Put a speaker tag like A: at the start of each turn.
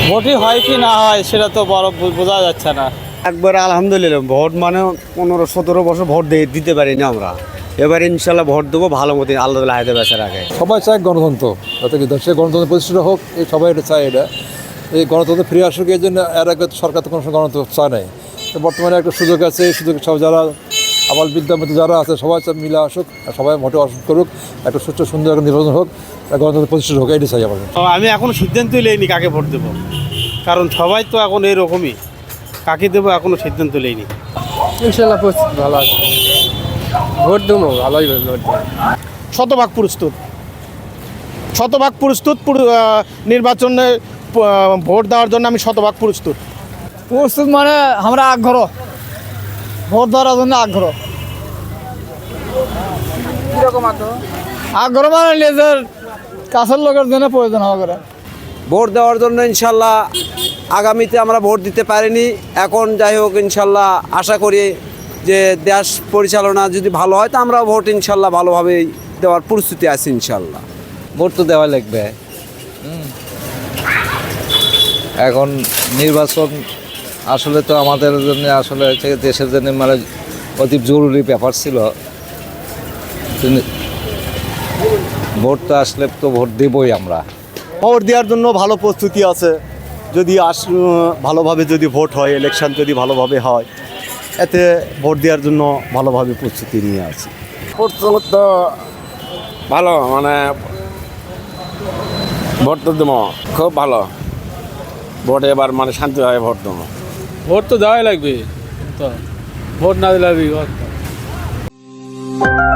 A: ভোটই হয় কি না হয় সেটা তো বড় বোঝা যাচ্ছে না।
B: একবার আলহামদুলিল্লাহ ভোট মানে 15-17 বছর ভোট দিতে পারিনি আমরা। এবার ইনশাল্লাহ ভোট দেবো ভালো মতো, আল্লাহ হাতে বেচার আগে।
C: সবাই চায় গণতন্ত্র, যাতে কি দেশে গণতন্ত্র প্রতিষ্ঠিত হোক, এই সবাই এটা চায়। এটা এই গণতন্ত্র ফিরে আসুক, এই জন্য এর আগে সরকার তো কোনো সময় গণতন্ত্র চায় নাই। তো বর্তমানে একটা সুযোগ আছে, এই সুযোগ সব যারা আবাল বিদ্যার মধ্যে যারা আছে সবাই মিলে আসুক, আর সবাই ভোটে অংশ করুক, একটা সুস্থ সুন্দর একটা নির্বাচন হোক, গণতন্ত্র প্রতিষ্ঠিত হোক, এটাই চাই আমার।
A: আমি এখনো সিদ্ধান্তই লইনি কাকে ভোট দেবো, কারণ সবাই তো এখন এরকমই। কাকে দেবো এখনো সিদ্ধান্ত লইনি।
D: ইনশাল্লাহ পরিস্থিতি ভালো আছে, ভোট দেবো ভালোই ভোট দেবো।
E: শতভাগ প্রস্তুত, নির্বাচনে ভোট দেওয়ার জন্য আমি শতভাগ প্রস্তুত।
F: প্রস্তুত মানে আমরা আগ্রহ, ভোট দেওয়ার জন্য আগ্রহ।
D: কীরকম আগ্রহ?
F: আগ্রহ মানে নিজের কাছের লোকের জন্য প্রয়োজন হবে।
B: ভোট দেওয়ার জন্য ইনশাল্লাহ আগামীতে আমরা ভোট দিতে পারিনি, এখন যাই হোক ইনশাল্লাহ আশা করি যে দেশ পরিচালনা যদি ভালো হয় তো আমরা ভোট ইনশাল্লাহ ভালোভাবে দেওয়ার প্রস্তুতি আছি ইনশাল্লাহ।
G: ভোট তো দেওয়া লাগবে। এখন নির্বাচন আসলে তো আমাদের জন্য আসলে দেশের জন্য মানে অতি জরুরি ব্যাপার ছিল। ভোট তো আসলে তো ভোট দেবই আমরা।
B: ভোট দেওয়ার জন্য ভালো প্রস্তুতি আছে, যদি ভালোভাবে যদি ভোট হয়, ইলেকশন যদি ভালোভাবে হয়, এতে ভোট দেওয়ার জন্য ভালোভাবে প্রস্তুতি নিয়ে আছি।
H: প্রস্তুত তো ভালো, মানে ভোট তো দেবো খুব ভালো। ভোট এবার মানে শান্তিভাবে ভোট দেবো।
A: ভোট তো দেওয়াই লাগবে, তো ভোট না দিলে